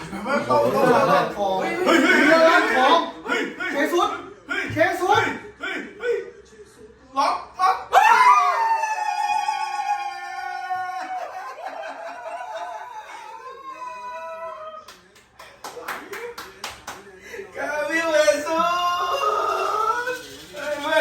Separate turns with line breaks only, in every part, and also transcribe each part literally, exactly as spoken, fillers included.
มันต้องต้องร้านทองเฮ้ยเฮ้ยร้านทองเฮ้ยเคสุดเคสุดเฮ้ยเฮ้ยล็อกล็อกกาวิเลสุดเฮ้ยมัน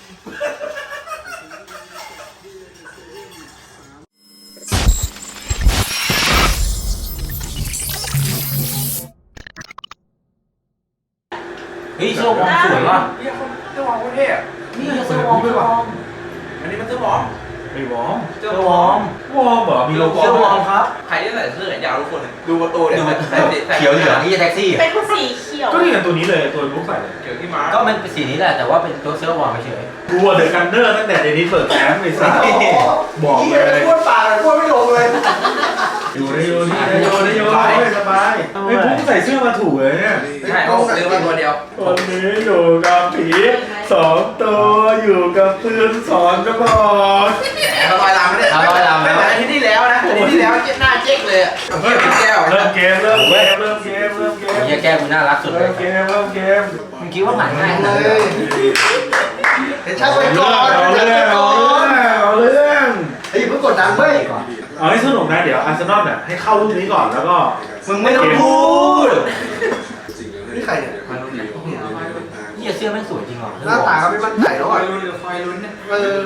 เฮ้ยเสื้อวอร์มสวยว่ะ
เฮียคนเสื้อวอร์มโคตรเท่อะ
นี่เสื้อวอร์มเสื้อวอร์ม
อันนี้มันเสื้อวอร์ม
ไม่วอร์ม
เสื้อวอร์ม
วอร์มเหรอมีโลโก้
เสื้อวอร์มครับ
ใครที่ใส่เสื้อแขนยาวทุกคนดูประตูเนี่ยใส่ใส่
เขียวเหลืองนี่จะแท็กซี่
เป็นสีเขียว
ก็นี่กับตัวนี้เลยตัวบุ๊กใส่เลย
เขียวที่ม้า
ก็มันเป็นสีนี้แหละแต่ว่าเป็นตัวเสื้อวอร์มเฉย
กูเดอะกันเนอร์ตั้งแต่เดนิสเปิดแคมป์ไปสักบอกเลย
พูดปากเลยพูดไม่ลงเลย
อยู่ในโยนี่ในโยในโยไม่สบายไม่บุ๊กใส่เสื้อมาถูกเลยเนี่ย
ใช่เอาซื้อมาตัวเดียว
วันนี้อยู่กับผีสองตัวอยู่กับปืนสองกระบอก
แหมระบายลามไม่ได้ไม่เหมือนอาทิตย์ที่แล้วนะอาทิตย์ที่แล้วหน้าเจ๊กเลยอ่ะเฮียเป็นแก้ว
เริ่มเกมเริ่มเกมเริ่มเกมเริ่มเก
ๆ
ม
เฮียแก้วกูน่ารักสุดเล
เริ่
ย
มเกมเริ่มเกม
มึงคิดว่าผ่านง่าย
เล
นะ
ยเดี๋ยวช่างไปก่อน
เอา
ช่าง
เรื่
ไป
อง
ก่
เอา
อน
เรื่องเอาเรื่อง
ไอ้เพิ่งกดดันเว้ย
เอาให้สนุกนะเดี๋ยวอาร์เซนอลเนี่ยให้เข้าลูกนี้ก่อนแล้วก็
มึงไม่ต้องพูดนี่ใครเนี่ย
เฮียเสื้อแม่งสวยจริงเหรอ
หน้าตาก็ไม่มั่นใจแล้ว
คอ
อ่ะ
ยลุ้นคอยลุ้นเนี่ย
เออ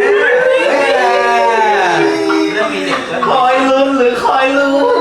เรื่องมีเด็ก
คอยลุ้นหรือคอยลุ้น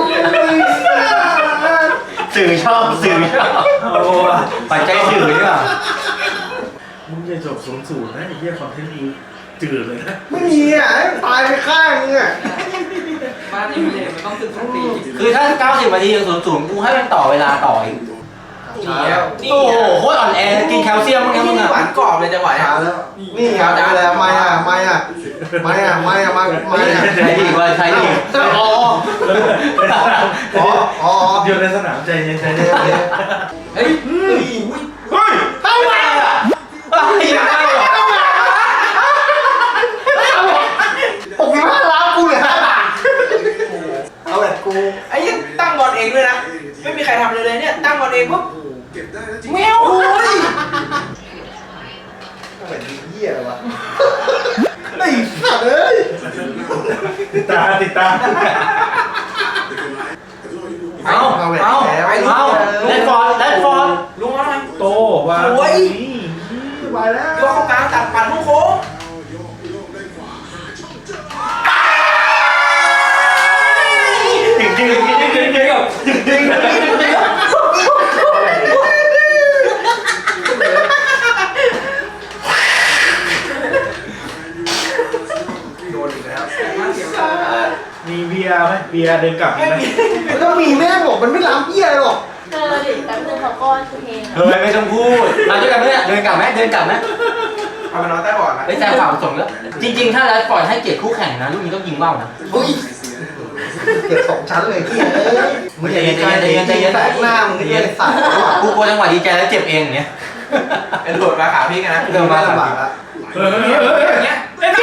สื่อชอบสื่อชอบปัจจัยสื่อนี่ป่ะ
มึงจะจบศูนย์ศูนย์นะไอ้เหี้ยคอนเทนต์มึงจืดเลยนะ
ไม่มีอ่ะตายไปข้างนึงอ่ะ
บ้านนี้มันเลยมันต้องตึกสักที
คือถ้าเก้าสิบนาทียังศูนย์ศูนย์กูให้มันต่อเวลาต่ออีก
นี่อ่ะนี่
โอ้โหโคตรอ่อนแอกินแคลเซียมมั้งเนี่ยมึง
นี่
อะ
หวานกรอบเลยจังหวะ
ช้าแล้วนี่ครับแล้วไม่อ่ะไม่อ่ะไม่อ่ะไม่อ่ะไม่ไม่อ่ะ
ใช่ดีกว่าใช่ดี
อ๋ออ๋ออ๋อ
อยู่ในสนามใจเย็นใจเย็น
เฮ้ยเฮ้ย
เฮ้ย
เท่าไหร่อ่ะ หกสิบห้าล้านกูเหลือห้าบาทเอาแบบกู
ไอ้ยังตั้งบอลเองด้วยนะไม่มีใครทำเลยเลยเนี่ยตั้งบอลเองปุ๊บแมวโอ้ย
เหมือนเหี้ยเลยวะไอ้สัตว์เอ้ย
ติดตาติดตา
เอาเอาเอาเอาแลนฟอร์ดแลนฟอร์ด
ลุงเอาหน่อย
โตวาง
โอ้ย
ไปแล้ว
โยกเข้ากลางตัดปั่นโค้ง
จริงจริงจริงจริงจริงจริงจริง
โดนอีกแล้ว
มีเบียร์ไหมเบียร์เดินกลับมีไหม
แล้วมีแม่บอกมันไม่ล้ำเหี้ยหรอก
เธอดิแป๊บนึงเขาก้อนเพลง
เฮ้ยไม่ต้องพูดมาด้วยกันไหมเนี่ยเดินกลับไหมเดินกลับไหม
เอาไปนอนใต้บอร์ดนะ
ไอ้แซมฝากส่งแล้วจริงๆถ้าแลนฟอร์ดให้เกียรติคู่แข่งนะลูกนี้ต้องยิงเบ้านะ
เฮ้ยเก็บสองชั้นเลยที่เอ้ยมึงอย่าใจเย็นใจเย็นแตกหน้ามึงก็ยังสั่น
กูกลัวจังหวะดีใจแล้วเจ็บเองอย่างเงี้ย
กระโดดมาขาพี่กันนะ
เดินมา
ลำบากละ
เฮ้ยเฮ้ยเฮ้ย
อย่างเงี้ย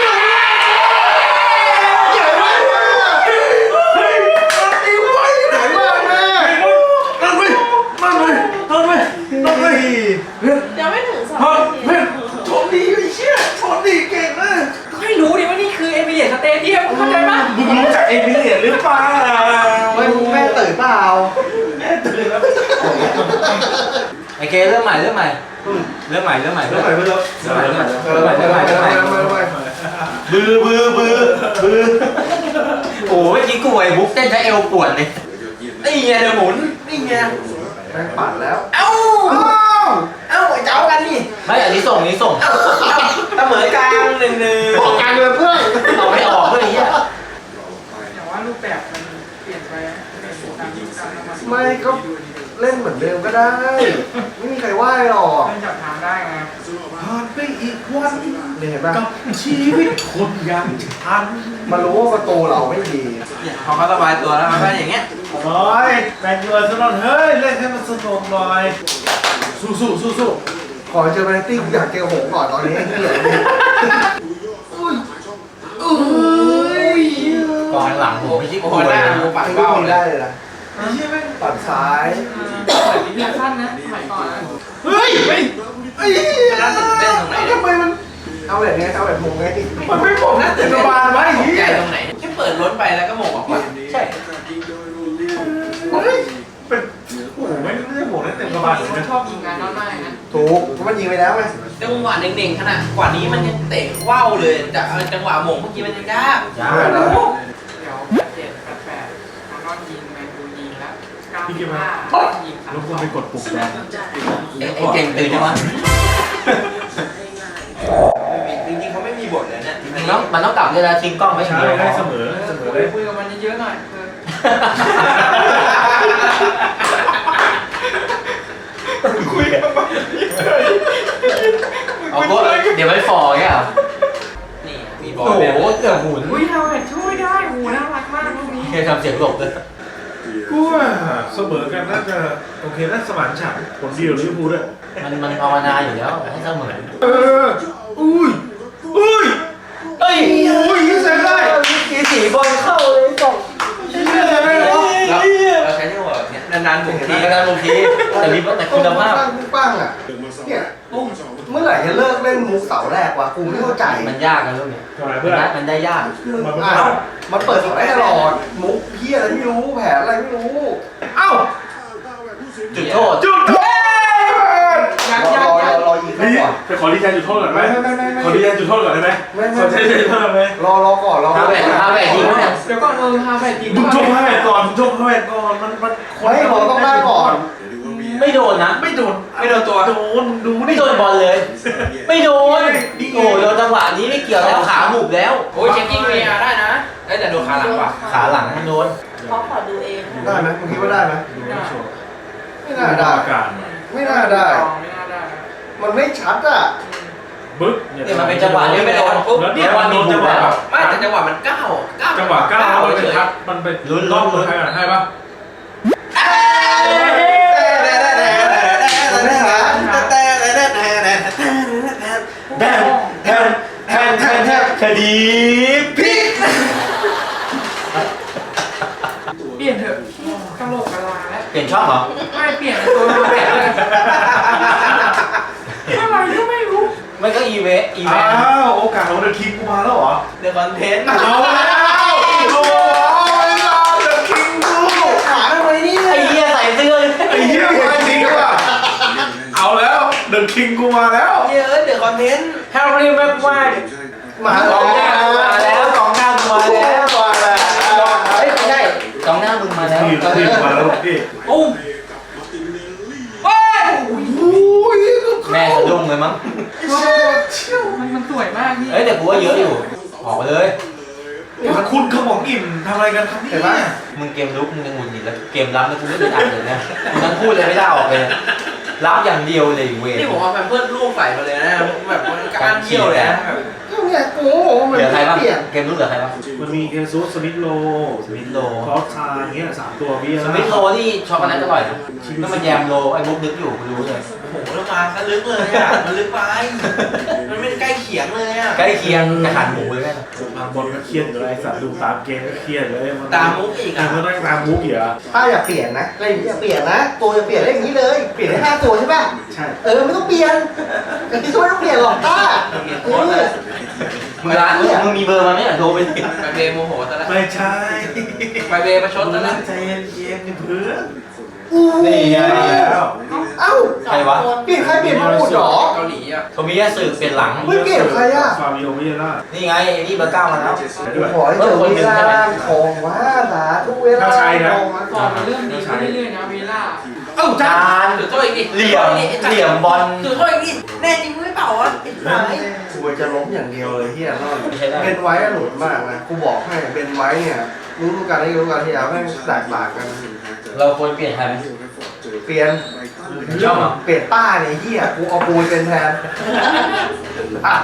ใหญ่มากเฮ้ยตีไว้ไหนมากแม่
นั่นไปนั่นไปนั่นไปนั่นไป
เดี๋ยวไม่ถึงสอง
เฮ้ย
นาที
เฮ้ยชนดีไอ้เชี่ยชนดีเก่งนะ
ให้รู้ดิว่านี่คือเอมิเรตสเตเดียมเข้าใจปะ
มึงรู้จักเอมิเลียนหรือเปล่า
เฮ้ยแม่ตื่นเปล่า
ตื่นแล้ว
ไอเคเริ่มใหม่เริ่มใหม่เริ่มใหม่เริ่มใหม่
เริ่มใหม่เริ่ม
เริ่มใหม่เริ่มใหม่
เออไปไปไปไปไปไป
บือบือบือบือโอ้ยเมื่อกี้กูไอ้บุ๊กเต้นใช้เอวปวดเลยนี่ไงเดี๋ยวหมุนนี่ไง
แม่งปัดแล้ว
เอ้าเอ้าไอ้เจ้ากันนี่
ไม่อันนี้ส่งอันนี้ส่ง
เสมอกลางหนึ่งหนึ่ง
บอกกันเลยเพื่อน
เอาไม่ออกเลยไอ้เหี้ย
แต่ว่ารูปแบบมันเปลี่ยนไปตามยุคตามสมัย
ไม่ก็เล่นเหมือนเดิมก็ได้ ไม่มีใครว่าหรอก
เล่นจับทางได้ไง
ผ่านไปอีกวัน
เนี่ยเห็นป่ะ
กับชีวิตคนยังทัน
มารู้ว่าประตูเราไม่ดี
พอเขาสบายตัวแล้วมันก็อย่างเงี้ย
โอ้ยแมนยูอาร์เซนอลเฮ้ยเล่นให้มันสนุกหน่อยสู้สู้สู้สู้
ขอเจอแมนตี้กูอยากเจอหงก่อนตอนนี้เหี้ยอุ้ยอุ้ย
กองหลังผมไม่ใช่
โอ้
กู
โหห
เล
น้าย
นะ
ดูปาก
ไม่
เบ้า
มี
เล
ได้
ย
เลยนะไอ้เหี้ยแม่งปัดซ้าย
แบบนี้เรียกสั้นนะสมัยก่อนนะ
เฮ้ยเฮ้ยไอ้เหี้ย
น่าตื่นเต้นตรงไหน
ทำไมมันเอาแบบนี้เอาแบบมงไง
มันไม่ผมน่าตื่นเต้น
บานไว้ไอ้
ตก
เหี้
ใจ
ย
ตรงไหนแค่เปิดรถไปแล้วก็โมงออกมา
ใช่
เฮ้ย
เป็นโอ้โหไม่ไม่ได้โหได้เต็มกระบาลเลยนะ
ชอบยิงงานน้อยมากนะ
ถูกเพราะมันยิงไปแล้วไง
จังหวะเน่งๆขนาดกว่านี้มันยังเตะว่าวเลยจะเอาจังหวะโมงเมื่อกี้มันยังยาก
ยา
แล้ว
เดี๋ยวแปดเจ็ดแปดแปดน้องนอนยิงแมนยูยิงแล้วเก้าสิบห้ายิงสาม
รบกวนไปกดปุ่มแดง
ไอ้ไอ้เก่งตื่นยังวะ
จริงๆเขาไม่มีบทเลยเนี่ย
มันต้องมันต้องกลับเวลาทิ้งกล้องไว้อย่าง
ใช่
เดียว
ได้เสมอเสมอเลย
คุยกับมันเยอะๆหน่อยเออ
คุยกับมัน
เอาก็เดี๋ยวไม่ฟอร์เงี้ยเหรอ
นี่มีบอล
โอ้โห
แบบ
เกือบหมุน
อุ้ยเราแบบช่วยได้โหน่ารักมากลูกนี้
เคยทำเสียงหลบเลย
กูว่าเสมอกันน่าจะโอเคน่าสมานฉันท์ผลดีของลิเวอร์พูลด้วย
มันมันภาวนาอยู่แล้วให้เสมอ
เอออุ้ยอุ้ย
เอ้ย
อุ้ยยิงเสร็จได้
กีสีบอลเข้าเลยสอง
เหี้ยอะไรวะ
เราเราใช้จังหวะแบบเนี้ยนานๆหมุน
ที
ที
ก็ได้บางทีแต่มีแต่คุณภาพ
ปั้งปั้งอ่ะเนี่ยเมื่อไหร่จะเลิกเล่นมุกเสาแรกวะกูไม่เข้าใจ
มันยากนะลูกเนี่ย
ทำไม
มั
เพื่อน น
ได้มันได้ยาก
อ้าวมันเปิดเสาได้ตลอดมุกเพี้ยอะไรไม่รู้แผนอะไรไม่รู้
เอ้า
จุดโทษ
จุดโทษ
ยัง
รอ
ยัง
รอ
ยัง
รอยิงเขา
นี่
ก่อน
ไปขอรีแทนจุดโทษก่อนไหม
ไม่ไม่ไม่ไม่
ขอรีแทนจุดโทษก่อนได้ไหม
ไม่ไม่
ขอใช้จุดโทษไหม
รอรอก่อนรอ
ฮาเวทฮาเวทยิงเนี่ย
เดี๋ยวก่อนเออฮาแบบยิง
มึงชกให้แม่ก่อนมึงชกให้แม่ก่อนมันมัน
เฮ้ยเราต้องได้ก่อน
ไม่โดนนะ
ไม่โดน
ไม่โดนตัว
โดนมึงดู
ไม่โดนบอลเลย ไม่โดนโอ้โดนจังหวะนี้ไม่เกี่ยวแล้วขาหมุบแล้ว
โอ้ยเช็คกิ้งวีอาร์ได้นะได้แต่โดนขาหลังว่ะ
ขาหลังมันโดน
เขาขอดูเอง
ได้ไหมมึงคิดว่าได้ไหม
ดูไม่ชัวร์
ไม่น่าได้
อาการ
ไม่น่าได้
ไม่น่าได้
มันไม่ชัดอ่ะ
บึ๊ก
เนี่ยมันเป็นจังหวะ
นี่
นี้
ไม่
ไม่
โด
โด
น
น
ปุ๊บ
แล้วเนี่ยมันโดนจังหวะแบบ
ไม่แต่จังหวะมันก้าวก้าว
จังหวะก้าวมันเป็นทัดมันเป็นรอบเลยใช่ปะ
มันไม่ชัด
แทนแทนแทนแทนแทนคดีพลิก
เปลี่ยนเถอะกระโหลกกระลาแล้ว
เปลี่ยนช่องเหรอ
ไม่เปลี่ยนเป็นตัวฮาแบบเลยอะไรก็ไม่รู้
ไม่ก็อีเวสอีเว
อ้า
ส
วโอกาสของเดอะคิงกูมาแล้วเหรอ
เดอะคอนเทนต์
เอาแล้วโอ้ยรอเดอะคิงกู
ขาทำไมเนี่ย
ไอ้เหี้ยใส่เสื้อ
ไอ้เหี้ยมาจริงว่ะเอาแล้วเดอะคิงกูมาแล้ว
เยอะเดอะคอนเทนต์
แฮร์รี่แม็กไวร์
มา
ส
แล้
อง
ว
หน้ามาแล้วสองหน้ามึงมาแล้ว
มาแล้ว
เฮ้ยไม่ใช่สองหน้ามึงมาแล้ว
ทีมทีมมาแล้วพี่
โอ้
เฮ้ย
แม่สะดุ้งเลยมั้ง
มันมันสวยมากพี่
เฮ้ยแต่กูว่าเยอะอยู่ออกไปเลย
มันคุณขมองอิ่มทำอะไรกันครับ
เห็นไหม
เนี่ย
มึงเกมลุกมึงยังหงุดหงิดแล้วเกมรับแล้วกูไม่ได้อ่านเลยนะมึงทั้งพูดเลยไม่ได้ออกเลยนะรับอย่างเดียวเลยเว้ย
นี่ผมเอาแพมเพิร์สลูกใส่มาเลยนะแบบมันก้านเที่ยวเลยนะแบบ
เนี่ยกูมัน
เหลือใครบ้าง
เปลี่ยน
เกมลุกเหลือใครบ้าง
มันมีเกซูสสมิธโล
สมิธโล
คอสทาอย่างเงี้ยสามตัวพี่
สมิธโลนี่ช็อกโกแลตอร่อยนะแล้วมันแยมโลไอ้บุ๊กนึกอยู่กูรู้เลย
โอ้โหแล้วมาก็ลึกเลยอ่ะมันลึกไปมันไม่ใกล้เขียงเลยอ่ะ
ใกล้เคียงอาหารหมูเลยแม่
บางบอลก็เครียดอยู่เลยสัตว์ดูตามเกมก็เครียดเลย
ตามมุกอีก
อ่ะ
อ่ะ
มันต้องตามมุกอีกอ่ะ
ป้าอย่าเปลี่ยนนะอะไรอย่างนี้อย่าเปลี่ยนนะ ตัวอย่าเปลี่ยนได้อย่างนี้เลย เปลี่ยนได้ห้าตัวใช่ป่ะ
ใช่
เออไม่ต้องเปลี่ยนแต่ที่ช่วยต้องเปลี่ยนหรอกป้าเออ
มึงร้านมึงมีเบอร์มาไหมอ่ะโทรไปสิ
ไปเบย์โมโหซะแล้ว
ไม่ใช่
ไปเบย์ประชดซะแล้ว
ใจเย็นๆนี่เพื่อน
อู้
นี่ไง
แล้ว
เอ้า
ใครวะ
เปลี่ยนใครเปลี่ยนมาหมดเหรอ
เกาหลีอ่ะ
เขามีแค่สื่อเปลี่ยนหลัง
เฮ้ยเปลี่ยนใครอะ
ฟาบิโอวิเยล่า
นี่ไงไอ้นี่เบอร์เก้ามาแล้ว
ขอให้เจอเวลาของว่าสาทุกเวลาของว่า
ฟอร์มมันเริ่มดีขึ้นเรื่อยๆนะเวล่า
เอ้า
จาน
จุดโทษอีกดิ
เหลี่ยมเหลี่ยมบอล
จุดโทษอีกดิแน่จริงมึงไม่เป่าอ่ะไอ้สาย
กูจะล้มอย่างเดียวเลยเฮียนอน
ไม่ใช่ได้
เป็นไว้อะหลุดมากนะกูบอกให้เป็นไว้เนี่ยรู้รู้กันได้รู้กันที่แล้วแม่งแตกต่างกัน
เราควรเปลี่ยนใครไหม
เปลี่ยน
ชอบเหรอ
เปลี่ยนป้าเนี่ยเฮียกูเอาปูนเป็นแทนอ่ะ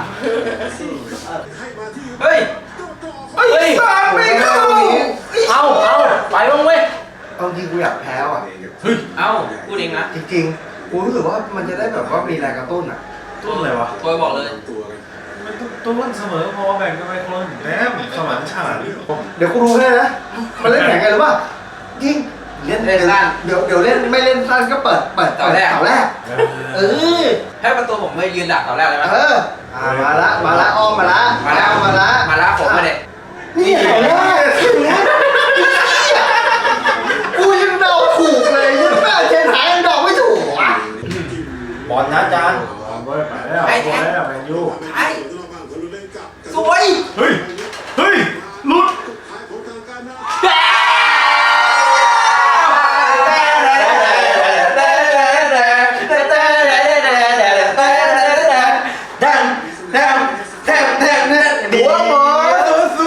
เฮ้ย
เฮ้ย
สามไม่เข้า
เอาเอาไปบ้างเว้ย
เอาจริงกูอยากแพ้อ่ะ
เอ้าพูดเองนะ
จริงๆกูรู้สึกว่ามันจะได้แบบว่ามีแรงกระตุ้นอ่ะ
ต้นอะไรวะ
ตัวบอกเลย
มันต้นเสมอพอแบ่งกันไปคนแหมสมานฉันท์
เดี๋ยวกูรู้ให้นะมันเล่นแข่งกันหรือว่ายิงเล่น
เล่นสั้น
เดี๋ยวเดี๋ยวเล่นไม่เล่นสั้นก็เปิดเปิด
เสาแรก
เสาแรกเออ
ให้ประตูผมไปยืนดักตอนแรกเลยไหม
เอออ่ามาละมาละอ้อมมาละ
มาแล้ว
มาละ
มาแล้วผมมาเด็ก
นี่เสาแรกกูยังเดาถูกเลยยังแม่เจนหายยังเดาไม่ถูกอ่ะ
บอลนะอาจารย์
บอลไปแล้วบอลแล้วแมนยู
ไอ้สวย
เฮ้ยเฮ้ยหลุด
หัวหมอสู้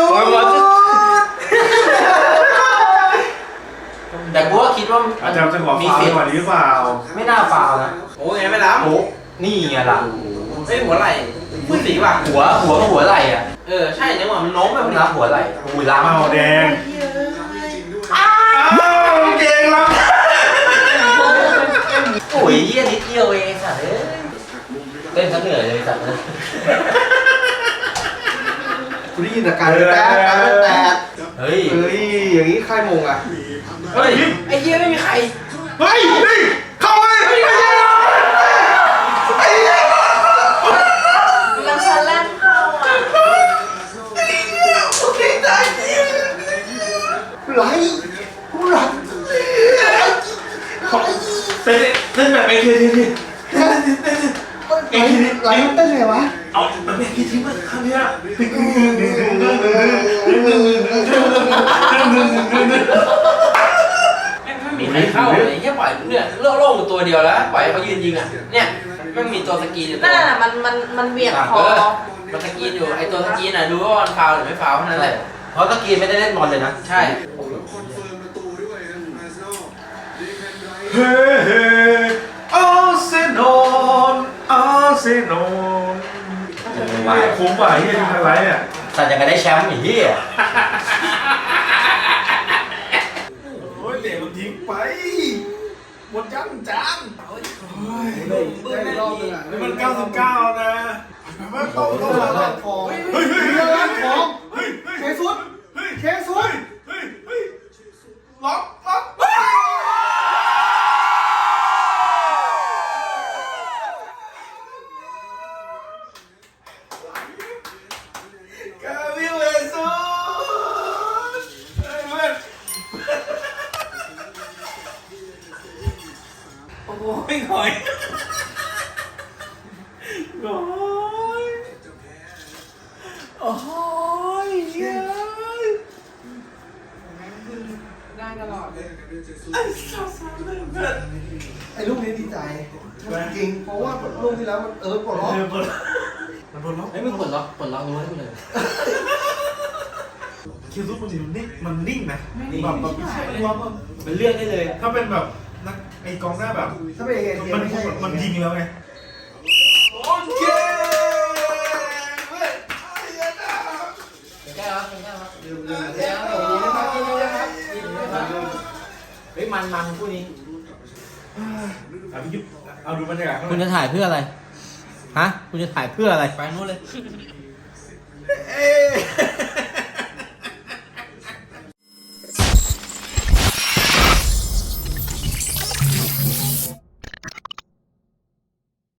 แต่กูก็คิดว่า
อาจารย์จะขอฟาวล์กว่านี้หรือเปล่า
ไม่น่าฟาวนะ
โอ้ยยังไม่ล้ำ
โอ้นี่ไงล่ะ
เฮ้ยหัวไหล่พูดสีว่ะ
หัวหัวกับหัวไหล่อ่ะ
เออใช่จังหวะมันโน้มแบบ
ต้อง
นี้
รับหัวไหล่อุ้ยล้ำ
เมาแดงอ้าวเก่งแล้ว
โอ้ยเยี่ยนิดเดียวเองสัตว์เอ้ยเล่นซะเหนื่อยเลยสัตว์เลย
กูได้ยินแต่การแตะการแตะ
เฮ้ย
เฮ้ยอย่างนี้ใครมงอ่ะ
เฮ้ยไอ้เหี้ยไม่มีใคร
เฮ้ยนี่เข้าไป
แล้วฉันแล่นเข้าอ่ะ
ไหลกูไหล
เต้นเต้นแบบเอทีทีที
ไหลไหลมันเต้นไงวะ
เอาแบบเอทีทีมาครั้งนี้
ไม่มีใครเข้าเลยแค่ปล่อยเนี่ยโล่งๆอยู่ตัวเดียวแล้วปล่อยให้เขายืนยิงอ่ะเนี่ยไม่มีตัวสกรีนอยู่ตั
นั่
วน
น่ะมันมันมันเบียดค
เอ
อ
อมันสกรีนอยู่ไอ้ตัวสกรีนน่ะดูว่ามันฟาวหรือไม่ฟาวเท่านั้นแหละ
เพราะตะกี้ไม่ได้เล่นบอลเลยนะ
ใช่
เฮ้เฮ้อาร์เซนอลอาร์เซนอลไม่คุ้มป่ะที่จะทำอะไรเนี่ย
สัตว์จะกันได้แชมป์อีกที่อ่ะ
โอ้ยเตะมันทิ้งไปหมดยังจาน
ได้รอบนึงอ่ะ
นี่มันเก้าสิบเก้านะมันต้องต้อง
เรือ
มา
ล้างทองเฮ้ยเรือล้างทองเคซุดเคซุด
ล็อกล็อก กาลิเลซูโอ้ยหอยหอยโอ้ยเย้ย
ได้ตลอดเลย
ไอ้ลูกนี้ดีใจจริงเพราะว่าลูกที่แล้วมันเออปลดล็อก
เออปลดมันปลดล็อก
ไม่มึงปลดล็อกปลดล็อกรู้ให้มึงเลย
คิวซุปมันอยู่นิ่งมันนิ่งนะแบบแบบไม่ใช่ว่าแบบ
มันเลือกได้เลย
ถ้าเป็นแบบนักไอกองหน้าแบบ
ถ้าเป็นเอเทีย
มัน
ไม่ใช่
มันยิงแล้วไงโอเคเว้ย
แก้วครับแก้วครับ
ลืมลืมแล้วดีนะครับดีนะครับดีนะครับ
เฮ้ยมันมันคู่นี้
เอาพี่ยุบเอาดูบรรยากาศข้าง
คุณ
ใน
จะถ่ายเพื่ออะไร ฮะ คุณจะถ่ายเพื่ออะไร
ไปนู้นเลย
เอ้